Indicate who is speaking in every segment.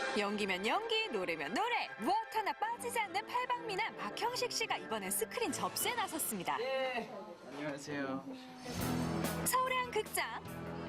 Speaker 1: 연기면 연기, 노래면 노래, 무엇 하나 빠지지 않는 팔방미남 박형식 씨가 이번엔 스크린 접수에 나섰습니다.
Speaker 2: 네, 안녕하세요.
Speaker 1: 서울의 한 극장.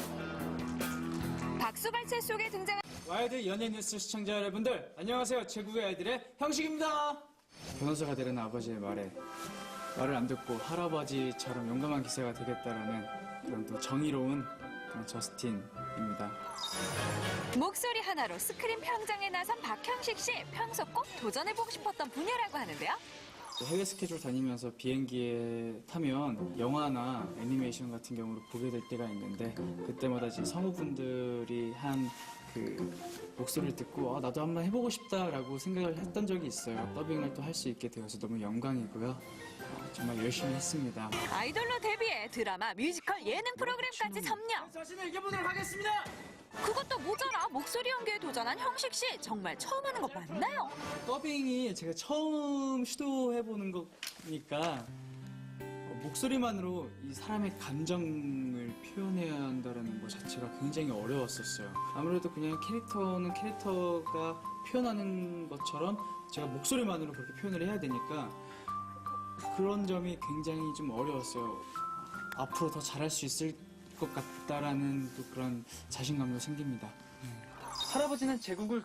Speaker 1: 박수갈채 속에 등장한
Speaker 2: 와이드 연예뉴스 시청자 여러분들, 안녕하세요. 제국의 아이들의 형식입니다. 변호사가 되려는 아버지의 말을 안 듣고 할아버지처럼 용감한 기세가 되겠다라는 그런 또 정의로운 그런 저스틴입니다.
Speaker 1: 목소리 하나로 스크린 평장에 나선 박형식 씨. 평소 꼭 도전해보고 싶었던 분야라고 하는데요.
Speaker 2: 해외 스케줄 다니면서 비행기에 타면 영화나 애니메이션 같은 경우를 보게 될 때가 있는데 그때마다 이제 성우분들이 한 그 목소리를 듣고 나도 한번 해보고 싶다라고 생각을 했던 적이 있어요. 더빙을 또 할 수 있게 되어서 너무 영광이고요. 정말 열심히 했습니다.
Speaker 1: 아이돌로 데뷔해 드라마, 뮤지컬, 예능 프로그램까지 섭렵.
Speaker 2: 자신을 이겨보도록 하겠습니다.
Speaker 1: 그것도 모자라 목소리 연기에 도전한 형식 씨. 정말 처음 하는 거 맞나요?
Speaker 2: 더빙이 제가 처음 시도해보는 거니까 목소리만으로 이 사람의 감정을 표현해야 한다는 것 자체가 굉장히 어려웠었어요. 아무래도 그냥 캐릭터는 캐릭터가 표현하는 것처럼 제가 목소리만으로 그렇게 표현을 해야 되니까 그런 점이 굉장히 좀 어려웠어요. 앞으로 더 잘할 수 있을 것 같다라는 또 그런 자신감도 생깁니다. 할아버지는 제국을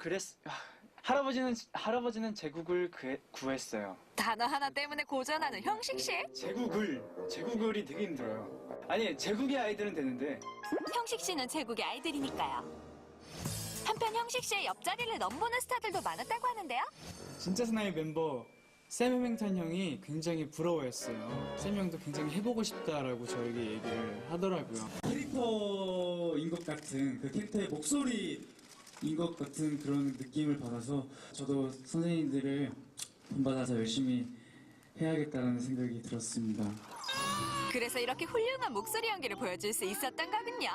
Speaker 2: 할아버지는 제국을 구했어요.
Speaker 1: 단어 하나 때문에 고전하는 형식 씨.
Speaker 2: 제국을이 되게 힘들어요. 아니, 제국의 아이들은 되는데.
Speaker 1: 형식 씨는 제국의 아이들이니까요. 한편 형식 씨의 옆자리를 넘보는 스타들도 많았다고 하는데요.
Speaker 2: 진짜 사나이 멤버 샘 해밍턴 형이 굉장히 부러워했어요. 샘 형도 굉장히 해보고 싶다라고 저에게 얘기를 하더라고요. 캐릭터인 것 같은, 그 캐릭터의 목소리인 것 같은 그런 느낌을 받아서 저도 선생님들을 본받아서 열심히 해야겠다는 생각이 들었습니다.
Speaker 1: 그래서 이렇게 훌륭한 목소리 연기를 보여줄 수 있었던 거군요.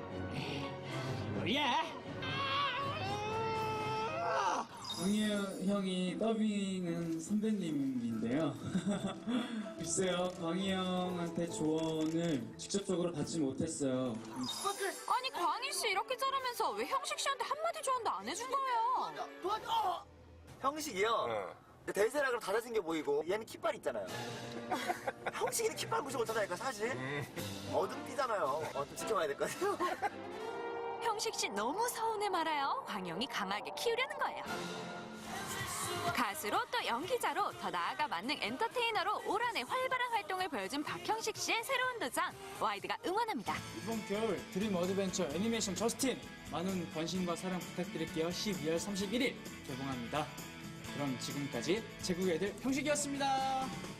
Speaker 2: 광희 형이 더빙은 선배님인데요. 글쎄요, 광희 형한테 조언을 직접적으로 받지 못했어요.
Speaker 1: 아니 광희 씨 이렇게 자르면서 왜 형식 씨한테 한마디 조언도 안 해준 거예요?
Speaker 3: 형식이요? 대세락으로 다 잘생겨 보이고 얘는 깃발 있잖아요. 형식이는 깃발 무시 못하다니까 사실. 어둠띠잖아요. 좀 지켜봐야 될 것 같아요.
Speaker 1: 형식 씨 너무 서운해 말아요. 광영이 강하게 키우려는 거예요. 가수로 또 연기자로 더 나아가 만능 엔터테이너로 올 한해 활발한 활동을 보여준 박형식 씨의 새로운 도전 와이드가 응원합니다.
Speaker 2: 이번 겨울 드림 어드벤처 애니메이션 저스틴 많은 관심과 사랑 부탁드릴게요. 12월 31일 개봉합니다. 그럼 지금까지 제국의 애들 형식이었습니다.